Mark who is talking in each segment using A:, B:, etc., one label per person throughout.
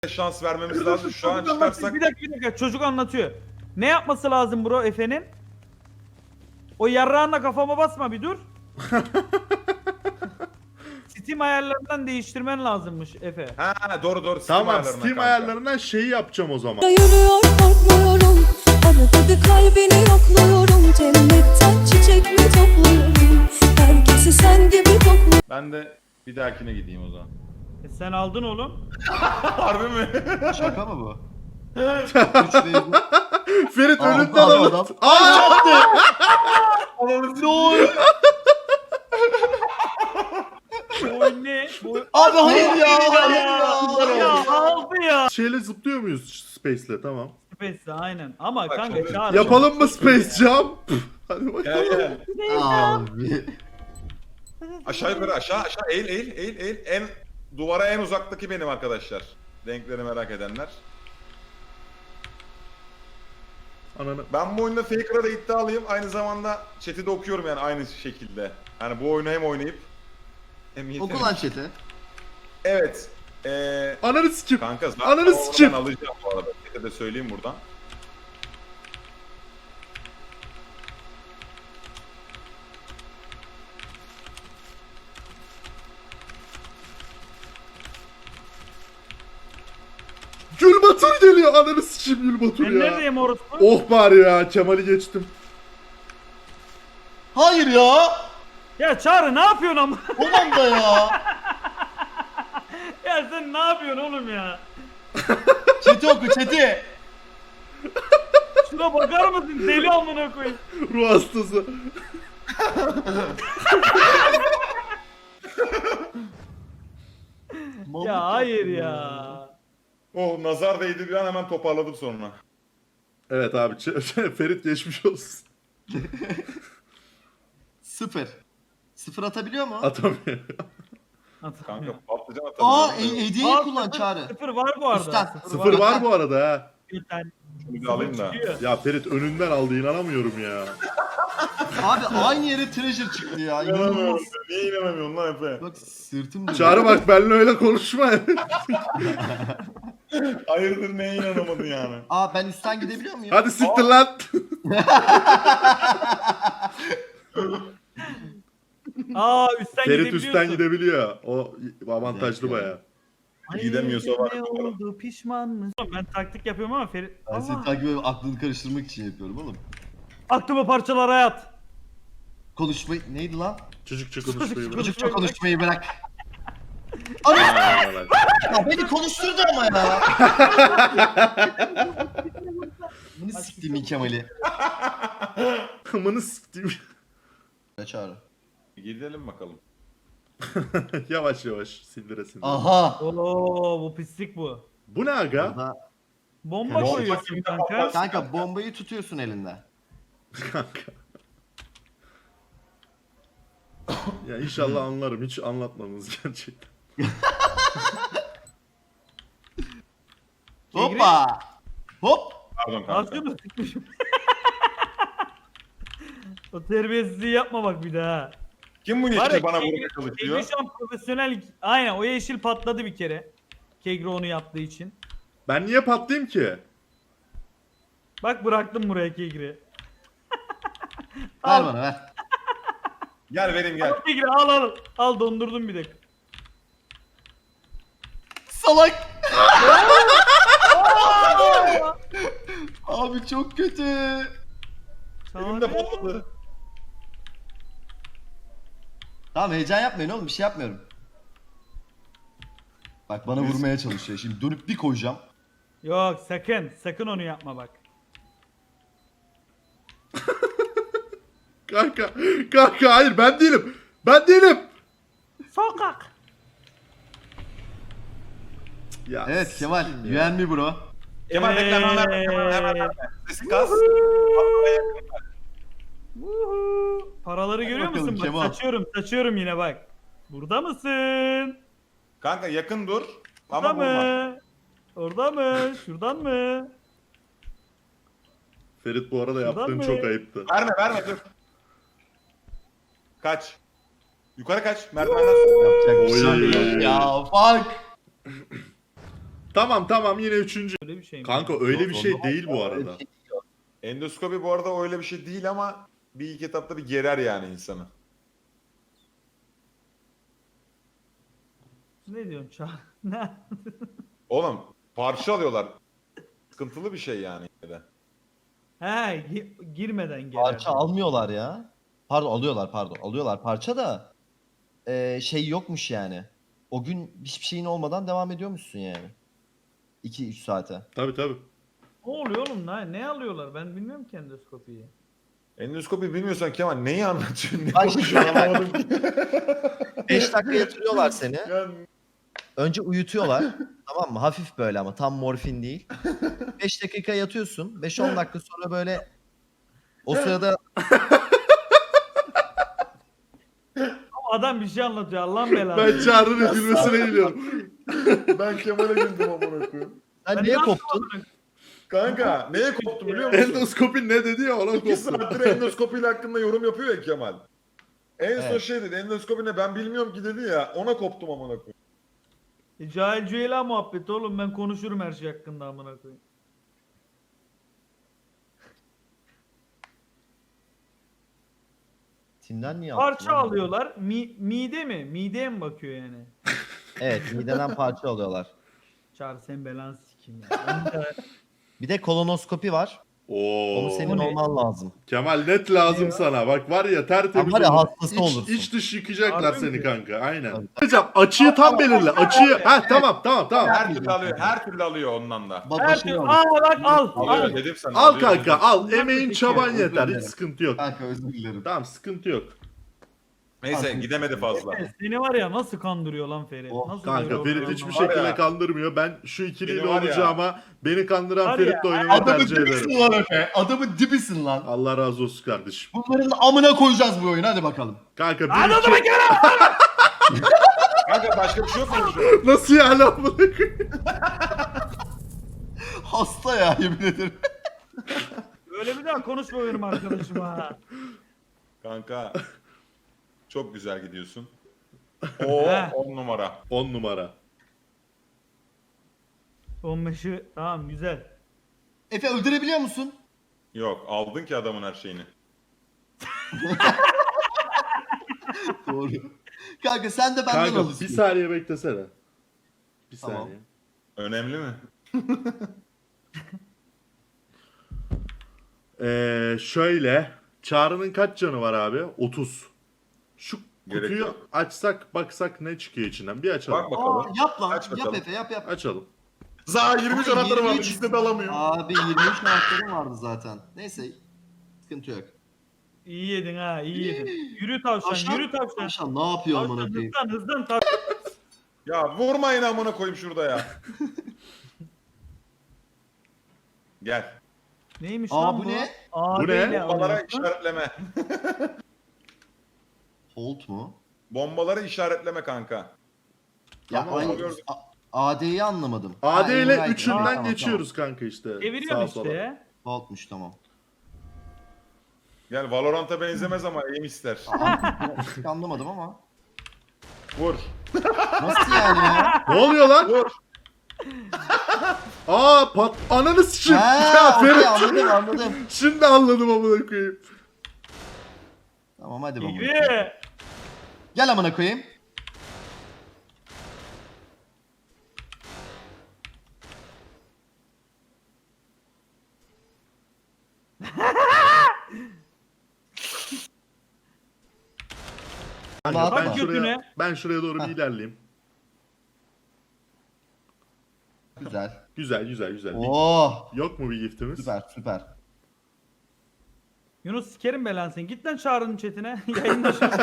A: şans vermemiz lazım. Şu an çıkarsak
B: Bir dakika çocuk anlatıyor. Ne yapması lazım bro Efe'nin? O yarrağınla kafama basma bir dur. Steam ayarlarından değiştirmen lazımmış Efe.
A: ha doğru
C: Tamam,
A: ayarlarına
C: Steam
A: kanka.
C: ayarlarından şeyi yapacağım o zaman.
D: Yürüyor korkmuyorum. Arada bir kalbini yokluyorum. Cennetten çiçek mi topluyorum? Herkesi sen gibi kokluyorum.
A: Ben de bir dahakine gideyim o zaman.
B: Sen aldın oğlum.
A: Harbi mi?
E: Şaka mı bu?
C: Ferit
E: Aldı
C: önünden
E: adam.
C: alın. Aa!
B: Bu ne? Bu...
E: Abi hayır ya.
B: Ya aldı ya.
C: Şeyle zıplıyor muyuz Space'le? Tamam.
B: Space'de aynen. Ama
A: Bak,
B: kanka
A: şöyle-
B: çağır.
C: Yapalım mı Space Jump? Hadi
A: Gel
C: bakalım.
A: gel.
E: Abi.
A: Aşağı yukarı aşağı eğil. En duvara en uzaktaki benim arkadaşlar. Renkleri merak edenler.
C: Ananı.
A: Ben bu oyunda Faker'a da iddialıyım. Aynı zamanda chat'i de okuyorum yani aynı şekilde. Yani bu oyunu hem oynayıp hem yetenek.
E: Oku lan chat'i.
A: Evet.
C: Ananı sikim.
A: Kanka zaten
C: Ananı
A: oradan
C: sikeyim.
A: alacağım bu arada. Chat'e de söyleyeyim buradan.
C: Gül Batur geliyor. Ananı sikeyim Gül Batur
B: Ben
C: ya.
B: neredeyim orospu?
C: Oh bari ya. Kemal'i geçtim.
E: Hayır ya.
B: Ya Çağrı ne yapıyorsun ama?
E: Ulan da ya.
B: Ya sen ne yapıyorsun oğlum ya?
E: Chat'i oku chat'i.
B: Şuna bakar mısın? Deli amına koyayım.
C: Ruh hastası.
B: Ya hayır ya.
A: Oh nazar değdi bir an hemen toparladım sonra.
C: Evet abi. Ferit geçmiş olsun.
E: Sıfır. Sıfır atabiliyor mu?
C: Atamıyor.
A: Kanka patlıcan atarım.
E: Aa
A: ben de.
E: hediyeyi
B: Aa,
E: kullan
B: sıfır-
E: Çağrı.
B: Sıfır var bu arada.
E: Üstten.
C: Sıfır var bu arada ha.
B: Bir tane
A: Şunu bir alayım da.
B: çıkıyor.
C: Ya Ferit önünden aldı, inanamıyorum ya.
E: Abi aynı yere treasure çıktı ya.
A: İnanamıyorum.
E: İnanılmaz.
A: Niye inanamıyorsun lan Efe?
E: Bak sırtım dönüyor.
C: Çağrı bak benimle öyle konuşma.
A: Hayırdır neye inanamadın yani?
E: Aa ben üstten gidebiliyor muyum?
C: Hadi siktir lan.
B: Aa üstten
C: Ferit
B: gidebiliyorsun.
C: üstten gidebiliyor. O avantajlı
E: Bir dakika.
C: baya.
B: Ay,
A: Gidemiyorsa var.
B: Ne oldu pişman mısın? Ben taktik yapıyorum ama Ferit...
E: Ben seni
B: Allah.
E: takip edip aklını karıştırmak için yapıyorum oğlum.
B: Aklıma parçalara yat.
E: Konuşmayı... Neydi lan?
C: Çocukça konuşmayı bırak.
E: Çocukça konuşmayı bırak. Ana! Ya beni konuşturdu ama ya. Bunu siktiğimin Kemal'i.
C: Amanı siktim.
E: Çağrı.
A: Gidelim bakalım.
C: Yavaş yavaş sindire sindire.
E: Aha.
B: Oo bu pislik bu.
C: Bu ne aga?
E: Orada-
B: Bomba
E: Bomba
B: koyuyorsun
A: kimde
B: kanka.
A: patlar?
E: Kanka bombayı tutuyorsun elinde.
C: Kanka. Ya inşallah anlarım. Hiç anlatmadınız gerçekten.
E: Hoppa. Hop.
A: Pardon
B: Ne
A: kanka.
B: yapıyorsun? O terbiyesizliği yapma bak bir daha.
A: Kim bu
B: Var
A: yeşili
B: ya,
A: bana
B: Kegri-
A: vurmaya çalışıyor?
B: Kegri şu an profesyonel... Aynen o yeşil patladı bir kere. Kegri onu yaptığı için.
C: Ben niye patlayayım ki?
B: Bak bıraktım buraya Kegri.
E: Ver
B: Al.
E: bana ver.
A: Gel vereyim gel.
B: Al Kegri al. Al dondurdum bir dakika.
E: Salak. Abi çok kötü.
A: Elimde patladı.
E: Tamam heyecan yapmayın oğlum bir şey yapmıyorum. Bak bana vurmaya çalışıyor. Şimdi dönüp bir koyacağım.
B: Yok sakın onu yapma bak.
C: Kanka hayır ben değilim. Ben değilim.
B: Sokak.
C: Ya,
E: Evet Kemal.
C: sikeyim
E: You
C: ya.
E: and me bro.
A: Kemal bekle hemen verme. Hemen verme. Sesi kas.
B: Woohoo. Paraları görüyor
E: bakalım
B: musun? Bak
E: Kemal.
B: saçıyorum yine bak. Burada mısın?
A: Kanka yakın dur.
B: Burada
A: Ama vurma.
B: mı? Orada mı? Şuradan mı?
C: Ferit bu arada yaptığın
B: mı?
C: çok ayıptı.
A: Verme dur. Kaç. Yukarı kaç. Merdivenden sonra.
E: Yapacak bir şey
C: Oy.
E: yok ya. Fuck.
C: Tamam yine üçüncü.
B: Öyle bir şey mi?
C: Kanka öyle bir şey değil bu arada.
A: Endoskopi bu arada öyle bir şey değil ama bir ilk etapta bir gerer yani insanı.
B: Ne diyorsun Çağ? Ne?
A: Oğlum parça alıyorlar. Sıkıntılı bir şey yani. yine de.
B: He girmeden gelir.
E: Parça almıyorlar ya. Pardon alıyorlar parça da şey yokmuş yani. O gün hiçbir şeyin olmadan devam ediyormuşsun yani. 2-3 saate.
C: Tabii.
B: Ne oluyor oğlum? Ne alıyorlar? Ben bilmiyorum ki endoskopiyi.
A: Endoskopi bilmiyorsan Kemal neyi anlatıyorsun? Ne
E: Bak
A: konuşuyorsun anlamadım ki.
E: 5 dakika yatırıyorlar seni.
A: Yani
E: Önce uyutuyorlar. Tamam mı? Hafif böyle ama tam morfin değil. 5 dakika yatıyorsun. 5-10 dakika sonra böyle o sırada
B: Adam bir şey anlatıyor. Allah'ın belası.
C: Ben Çağrı'nın gülmesine gülüyorum.
A: ben Kemal'e güldüm amına koyayım.
E: sen
B: Ben
E: niye
B: ne
E: koptun?
A: Kanka neye koptum biliyor musun?
C: Endoskopi ne dedi ya ona
A: 2
C: koptu.
A: saattir endoskopiyle hakkında yorum yapıyor ya Kemal. En son
E: Evet.
A: şey dedi, endoskopi ne ben bilmiyorum ki dedi ya, ona koptum amına koyayım.
B: Cahil Cüeyla muhabbeti oğlum. Ben konuşurum her şey hakkında amına koyayım.
E: Timden niye attın
B: Parça
E: lan?
B: alıyorlar. Mide mi? Mideye mi bakıyor yani?
E: Evet mideden parça alıyorlar.
B: Çağır sen belanı sikeyim ya.
E: Bir de kolonoskopi var.
C: Oo.
E: Onu senin
B: O ne?
E: olman lazım.
C: Kemal net lazım sana. Bak var ya tertemiz
E: Var ya,
C: olur.
E: hastası
C: İç,
E: olursun.
C: iç dış yıkacaklar
B: Harbi
C: seni
B: mi?
C: kanka. Aynen. Hocam açıyı tam belirle. Açıyı. Ha tamam.
A: Her türlü alıyor, her türlü alıyor ondan da.
B: Her türlü bak al.
A: Alıyor
B: Al.
A: dedim sana.
C: Al
A: alıyor
C: kanka
A: dedim.
C: al.
B: Bundan
C: Emeğin
B: peki
C: çaban
B: ya,
C: yeter. Hiç
E: dilerim.
C: sıkıntı yok.
E: Kanka özür dilerim.
C: Tamam sıkıntı yok.
A: Neyse gidemedi fazla.
B: Seni var ya nasıl kandırıyor lan Ferit?
E: Oh,
B: Nasıl
C: Kanka
B: böyle
C: Ferit
B: olur
C: hiçbir
B: anlamadım.
A: Var
C: şekilde
A: ya.
C: kandırmıyor. Ben şu ikiliyle
A: Beni var ya.
C: olacağıma beni kandıran
B: Var
C: Ferit'le
B: ya,
C: oynamayı
F: Adamın
C: tercih ederim.
F: dibisin lan Efe. Adamın dibisin lan.
C: Allah razı olsun kardeşim.
F: Bunların amına koyacağız bu oyunu hadi bakalım.
C: Kanka bir
B: Anladım
C: iki...
A: Kanka başka bir şey yok mu burada?
C: Nasıl yani amına koyayım?
F: Hasta ya yemin ederim.
B: Öyle bir daha konuşma benim arkadaşıma. ha.
A: Kanka çok güzel gidiyorsun. Oo
B: He.
A: 10 numara.
C: 10 numara.
B: 15'i tamam güzel.
F: Efe öldürebiliyor musun?
A: Yok aldın ki adamın her şeyini.
F: Doğru. Kanka sen de benden
C: Kanka
F: alırsın.
C: bir saniye beklesene. Bir
F: Tamam.
C: saniye.
A: Önemli mi?
C: Şöyle. Çağrı'nın kaç canı var abi? 30. Şu
A: Gerek
C: kutuyu
A: yok.
C: açsak baksak ne çıkıyor içinden? Bir açalım.
A: Bak bakalım.
F: Aa, yap lan.
A: Aç
F: Yap
A: bakalım.
F: Efe yap.
C: Açalım.
A: Za 23
F: Abi,
A: anahtarı var.
F: 23.
A: İkisi de alamıyor.
F: Abi 23 anahtarım vardı zaten. Neyse. Sıkıntı yok.
B: İyi yedin ha iyi yedin. Yürü tavşan yürü tavşan.
F: Tavşan ne yapıyor amına
B: Tavşan
F: koyayım?
B: hızlan tavşan.
A: Ya vurmayın amına koyayım şurada ya. Gel.
B: Neymiş
F: Aa,
B: lan
F: bu
B: bu?
F: ne?
C: Bu ne?
B: Ağabeyle
A: Bombalara
B: alıyorsun.
A: işaretleme.
F: Holt mu?
A: Bombaları işaretleme kanka.
F: Ya
C: Tamam,
F: aynı
A: gördüm.
F: AD'yi anlamadım.
C: AD
F: Ha,
C: ile
F: Enright'ı.
C: üçünden
F: Tamam,
C: geçiyoruz kanka işte.
B: Çeviriyorsun
C: Sağa
B: işte
C: sola.
B: ya.
F: Tamam. Holt'muş tamam.
A: Gel Valorant'a benzemez ama aim ister.
F: Anlamadım ama.
A: Vur.
F: Nasıl yani ya?
C: Ne oluyor lan?
A: Vur.
C: Aa pat ananı sıçayım. Ya
F: Ha, okey,
C: Ferit.
F: anladım.
C: Şimdi anladım amına koyayım.
F: Tamam hadi bakalım.
B: Yürü.
F: Gel amına koyayım.
C: Kanka,
F: Bak
C: ben
B: götüne.
C: şuraya doğru bir
F: Heh.
C: ilerleyeyim.
F: Güzel.
C: Güzel.
F: Oh.
C: Yok mu bir giftimiz?
F: Süper.
B: Yunus sikerim belanı sen. Git lan Çağrı'nın chatine. Yayında şu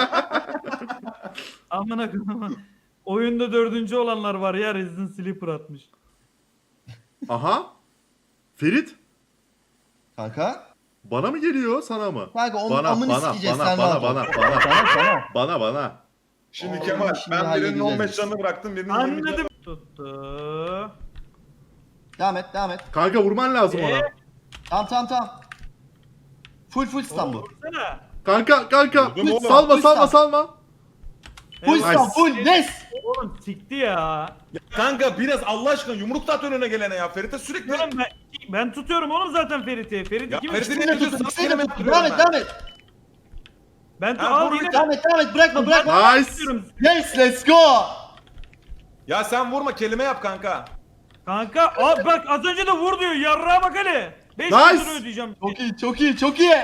B: Amına koyayım. Oyunda 4. olanlar var ya Resident Sleeper atmış.
C: Aha. Ferit.
F: Kanka.
C: Bana mı geliyor sana mı?
F: Kanka onun
C: Bana
F: amını sikeceğiz sen rahat ol.
C: bana.
A: Şimdi
F: Oo,
A: Kemal
F: şimdi
A: ben birinin
F: halledeceğiz
A: 15
F: biz.
A: canını bıraktım birinin 20 canını.
B: Anladım. Tuttu.
F: Devam et.
C: Kanka vurman lazım ona.
F: Tamam. Full stun bu.
B: Vursana.
C: Kanka.
A: Vurdum oğlum.
C: Salma.
E: Full
B: Evet.
E: stop full nes.
B: Oğlum sikti ya.
A: Kanka biraz Allah aşkına yumruk da at önüne gelene ya. Ferit'e sürekli...
B: Oğlum ben tutuyorum oğlum zaten Ferit'i. Ferit
A: Ya
B: kim?
A: Ferit'i
E: Yine
A: ne
E: tutun.
A: tutuyorsun?
E: Yine
A: Sana
E: tutun.
A: yaptırıyorum
E: Devam et
A: ben.
E: devam et.
B: Ben
A: Ha,
B: al
A: vur
B: yine.
E: Devam et bırakma.
C: Nice.
E: Yes let's go.
A: Ya sen vurma kelime yap kanka.
B: Kanka abi bak az önce de vur diyor. Yarrağa bak hele. 5
C: Nice.
B: lira ödeyeceğim.
E: Çok iyi.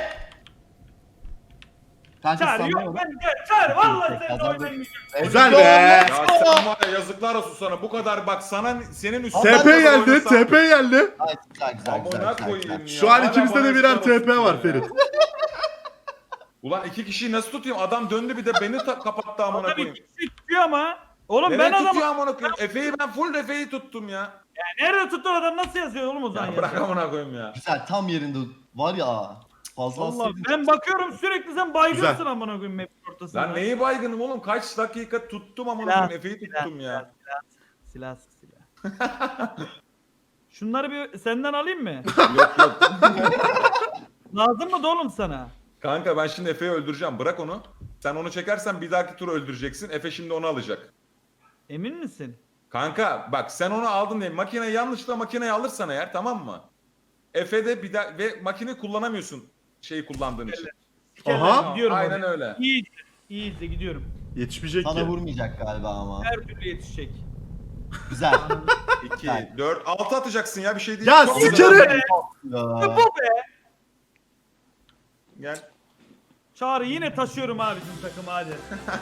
E: Kanka
B: Çağır yok
E: sanmıyorum.
B: ben çağır vallahi sen de
E: Kazandık.
B: oynamayacağım.
C: Güzel be.
A: Ya sen var ya yazıklar olsun sana. Bu kadar bak sana senin üstüne...
C: TP geldi. TP geldi.
E: Ay, güzel.
A: Amına koyayım ya.
C: Şu an
A: Hala
C: ikimizde
A: bana
C: de birer
A: yazıklar
C: TP
A: olsun
C: var
A: ya.
C: Ferit.
A: Ulan iki kişiyi nasıl tutayım? Adam döndü bir de beni kapattı amına
B: Adam
A: koyayım.
B: iki kişi tutuyor ama. Oğlum
A: Nereye
B: ben
A: tutuyor
B: adamı.
A: amına koyayım? Efe'yi ben full Efe'yi tuttum ya.
B: Nerede tutan adam nasıl yazıyor oğlum o zaman
A: Ya bırak
B: ya?
A: amına koyayım ya.
E: Güzel tam yerinde var ya. Fazla
B: Allah
E: alsaydın.
B: ben bakıyorum sürekli sen baygınsın
C: Güzel.
B: amına koyayım map'in ortasında.
A: Lan neyi baygınım oğlum? Kaç dakika tuttum amına
B: Silah,
A: koyayım? Efe'yi tuttum ya.
B: Silah. Şunları bir senden alayım mı?
A: Yok yok.
B: Lazım mı da oğlum sana?
A: Kanka ben şimdi Efe'yi öldüreceğim. Bırak onu. Sen onu çekersen bir dahaki tur öldüreceksin. Efe şimdi onu alacak.
B: Emin misin?
A: Kanka bak sen onu aldın diye makineyi yanlışlıkla makineyi alırsan eğer tamam mı? Efe de bir daha ve makine kullanamıyorsun şeyi kullandığın için.
C: Aha.
B: Gidiyorum
A: Aynen
B: oraya.
A: öyle.
B: İyi de gidiyorum.
C: Yetişmeyecek
E: Sana
C: ki.
E: vurmayacak galiba ama.
B: Her türlü yetişecek.
E: Güzel.
A: 2, 4, 6 atacaksın ya bir şey değil.
C: Ya
A: Çok
C: sikerim.
A: güzel.
E: Ya.
A: Gel.
B: Çağrı yine taşıyorum abi bizim takımı hadi.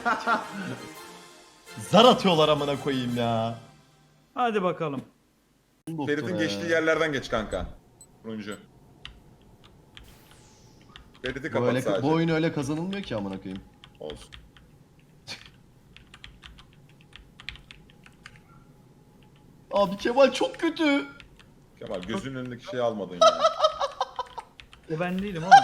E: Zar atıyorlar amına koyayım ya.
B: Hadi bakalım.
A: Ferit'in geçtiği yerlerden geç kanka. Turuncu. Ferit'i kapat
E: Böyle,
A: sadece.
E: bu oyun öyle kazanılmıyor ki amına koyayım.
A: Olsun.
E: Abi Kemal çok kötü.
A: Kemal gözünün önündeki şeyi almadın ya.
B: O ben değilim oğlum.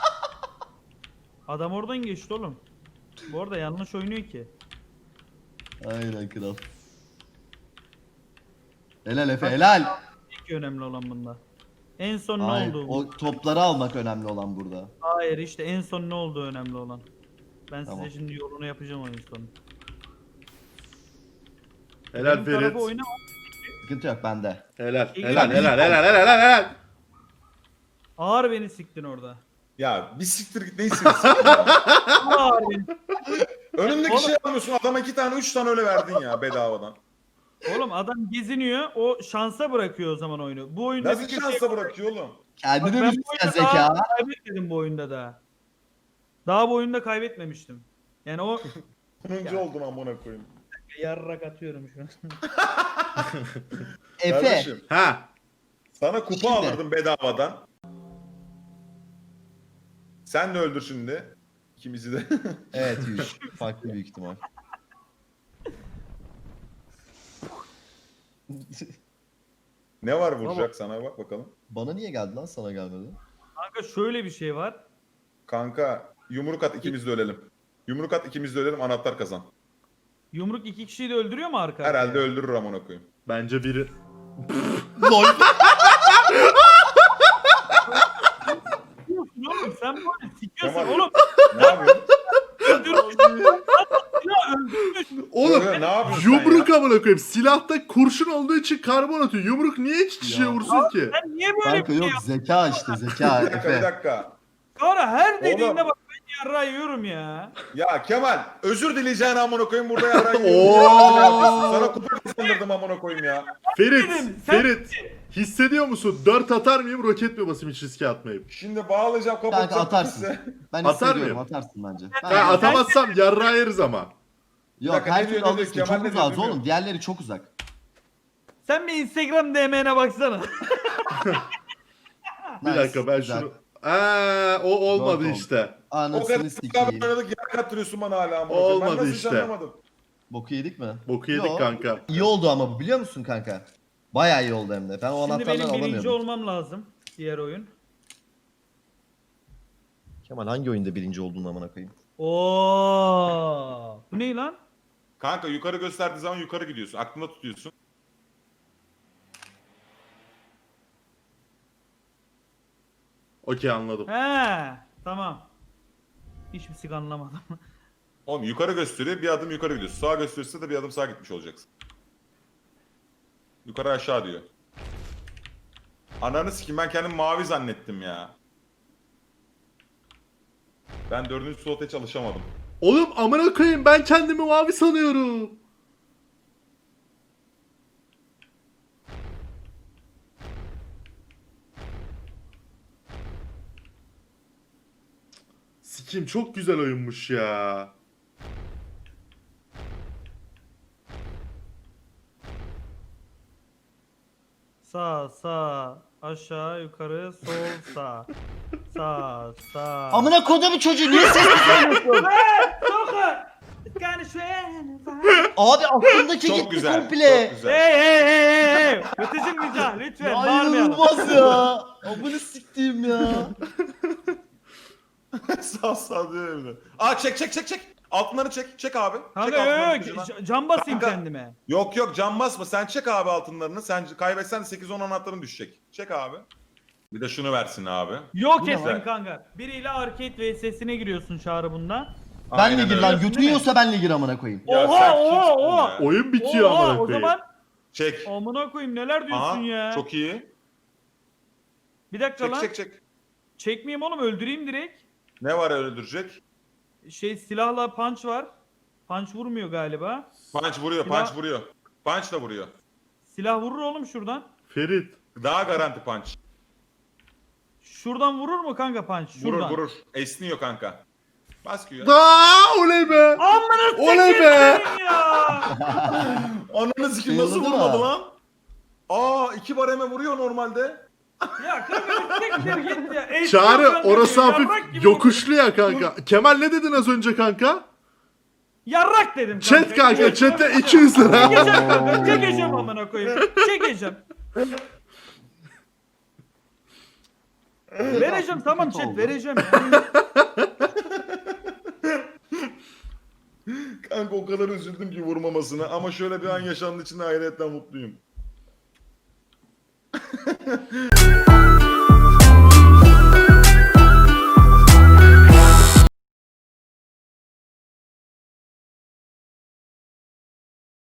B: Adam oradan geçti oğlum. Bu arada yanlış oynuyor ki.
E: Aynen kral. Helal Efe helal.
B: İlk önemli olan bunda. En son ne
E: Hayır,
B: oldu?
E: o topları almak önemli olan burada.
B: Hayır işte en son ne oldu önemli olan. Ben
E: Tamam.
B: size şimdi yolunu yapacağım oyun sonu.
C: Helal
B: Benim tarafı
C: Ferit.
B: oynama.
E: Sıkıntı yok bende.
C: Helal.
B: İyi.
C: Helal.
B: Ağır beni siktin orada.
A: Ya bir siktir git ne istiyorsun ya?
B: Ağır beni.
A: Önündeki
B: Oğlum.
A: şey almıyorsun adama 2 tane 3 tane öyle verdin ya bedavadan.
B: Oğlum adam geziniyor. O şansa bırakıyor o zaman oyunu. Bu oyunda
A: Nasıl
B: bir kere
A: şansa bırakıyor oğlum?
B: Bak
E: Kendine
B: ben
E: bir
B: bu oyunda
E: zeka.
B: daha kaybetmedim bu oyunda da. Daha bu oyunda kaybetmemiştim. Yani o
A: 10. oldum amına koyayım.
B: yarrak atıyorum şu an.
E: Efe.
A: Kardeşim
C: Ha.
A: sana kupa
E: Şimdi.
A: alırdım bedavadan. Sen de öldür şimdi. İkimizi de.
E: Evet yüz. Farklı büyük ihtimal.
A: Ne var vuracak sana bak bakalım.
E: Bana niye geldi lan sana gelmedi?
B: Kanka şöyle bir şey var.
A: Kanka yumruk at ikimiz de ölelim. Yumruk at ikimiz de ölelim anahtar kazan.
B: Yumruk iki kişiyi de öldürüyor mu arka?
A: Herhalde öldürür amına koyayım.
C: Bence biri.
E: LOL.
B: Oğlum sen böyle sikiyorsun
A: Kemal.
B: oğlum.
A: Ne yapıyorsun?
B: Öldürmüşsün. Ya öldürmüşsün.
C: Oğlum
A: Ne yapıyorsun
C: yumruk amına koyayım. Silahta kurşun olduğu için karbon atıyor. Yumruk niye hiç kişiye
E: Ya.
C: vursun ki?
B: Sen niye böyle
E: Kanka
B: bir şey
E: yok
B: yaptın?
E: zeka işte zeka
A: Bir dakika bir
E: Efe.
A: dakika.
B: Sonra her dediğinde
A: Oğlum.
B: bak ben yarrağı yiyorum ya.
A: Ya Kemal özür dileyeceğin amına koyayım burada yaran
C: Oo.
A: Sana kupa kazandırdım amına koyayım ya.
C: Ferit,
B: Dedim, sen-
C: Ferit. Hissediyor musun? 4 atar mıyım, roket mi basayım hiç riske atmayıp?
A: Şimdi bağlayacağım kapatacağım.
E: Kanka atarsın.
A: kimse.
E: Ben
C: Atar
E: hissediyorum
C: mıyım?
E: atarsın bence.
B: Ben-
C: Ha, atamazsam yarrağı yeriz ama.
E: Yok
A: Bir dakika,
E: her
A: ne
E: türlü
A: diyor, ne diyor?
E: alırsın.
A: Kemal
E: Çok
A: ne diyor,
E: uzak
A: bilmiyorum.
E: oğlum. Diğerleri çok uzak.
B: Sen bir Instagram DM'ne baksana.
C: Bir
E: Nice,
C: dakika ben
E: güzel.
C: şunu... o olmadı
E: Dört oldu.
C: işte.
A: O
E: Anasını
A: kadar
E: sikeyim.
A: beraber oynadık yer kattırıyorsun bana hala amına koyayım. Ben
C: Olmadı
A: nasıl hiç
C: işte.
A: anlamadım.
E: Boku yedik mi?
C: Boku yedik
E: Yo.
C: kanka.
E: İyi oldu ama bu biliyor musun kanka? Bayağı iyi oldu hem de. Ben o
B: Şimdi
E: anahtarları
B: benim birinci
E: alamıyordum.
B: olmam lazım. Diğer oyun.
E: Kemal hangi oyunda birinci olduğunu amına koyayım?
B: Oo. Bu ne lan?
A: Kanka yukarı gösterdiği zaman yukarı gidiyorsun. Aklında tutuyorsun.
C: Okey anladım.
B: He, tamam. Hiçbir sik anlamadım.
A: Oğlum yukarı gösteriyor, bir adım yukarı gidiyorsun. Sağa gösterirse de bir adım sağa gitmiş olacaksın. Yukarı aşağı diyor. Ananı sikeyim, ben kendimi mavi zannettim ya. Ben 4. slota hiç alışamadım.
C: Oğlum amına koyayım, ben kendimi mavi sanıyorum. Sikim, çok güzel oyunmuş ya.
B: Sağ sağ aşağı yukarı sol sağ. Sağ sağ.
E: Amına kodumu çocuğu niye ses çıkarmıyorsun?
B: Sokar. Yani şu
E: Abi aklımdaki
A: Çok
E: gitti
A: güzel,
E: komple.
A: çok güzel.
B: Hey. Ötecim rica lütfen
E: Ya
B: bağırmayalım.
E: inanılmaz ya. Amına siktiğim ya.
A: Sağ diyor bir de. Aa çek. Altınları çek. Çek abi. Çek
B: Kanka
A: altınların
B: yok
A: ucuna.
B: can basayım
A: Kanka.
B: kendime.
A: Yok can basma. Sen çek abi altınlarını. Sen kaybetsen de 8-10 anahtarın düşecek. Çek abi. Bir de şunu versin abi.
B: Yok
E: Bu ne
B: etsin
A: lan?
B: kanka. Biriyle arcade vs'sine giriyorsun Çağrı bunda.
E: Benle
A: Aynen
E: gir
A: öyle.
E: lan götünü yiyorsa benle gir amına koyayım.
A: Ya
B: Oha,
A: sen
B: oha,
A: kimsin
B: oha.
A: ya?
C: Oyun bitiyor
B: Oha,
C: amına
B: o
C: koyayım.
B: zaman
A: Çek.
B: amına koyayım neler diyorsun
A: Aha,
B: ya.
A: çok iyi.
B: Bir dakika lan.
A: Çek.
B: Çekmeyeyim oğlum öldüreyim direkt.
A: Ne var öldürecek?
B: Silahla punch var. Punch vurmuyor galiba.
A: Punch vuruyor,
B: Silah-
A: punch vuruyor. Punch da vuruyor.
B: Silah vurur oğlum şuradan.
C: Ferit.
A: Daha garanti punch.
B: Şuradan vurur mu kanka punch? Şuradan.
A: Vurur. Esniyor kanka. Bas Q'ya.
C: Aa, oley be.
B: Amına
C: Oley
B: sikeyim
C: be.
B: senin ya.
A: Ananı sikim nasıl
E: Yıldırdı
A: vurmadı
E: mı?
A: lan? Aa 2 bareme vuruyor normalde.
B: Ya kanka bir siktir git ya. Esniyor
C: Çağrı,
B: kanka,
C: orası
B: yarrak
C: hafif
B: gibi
C: yokuşlu ya kanka. Kemal ne dedin az önce kanka?
B: Yarrak dedim kanka.
C: Chat kanka, chatte 200 lira.
B: Çekeceğim kanka. Çekeceğim amına koyayım. Çekeceğim. Vereceğim tamam
E: Kötü
B: chat
E: oldu.
B: vereceğim. Ya.
A: Kanka o kadar üzüldüm ki vurmamasına ama şöyle bir an yaşandığı için de hayretten mutluyum.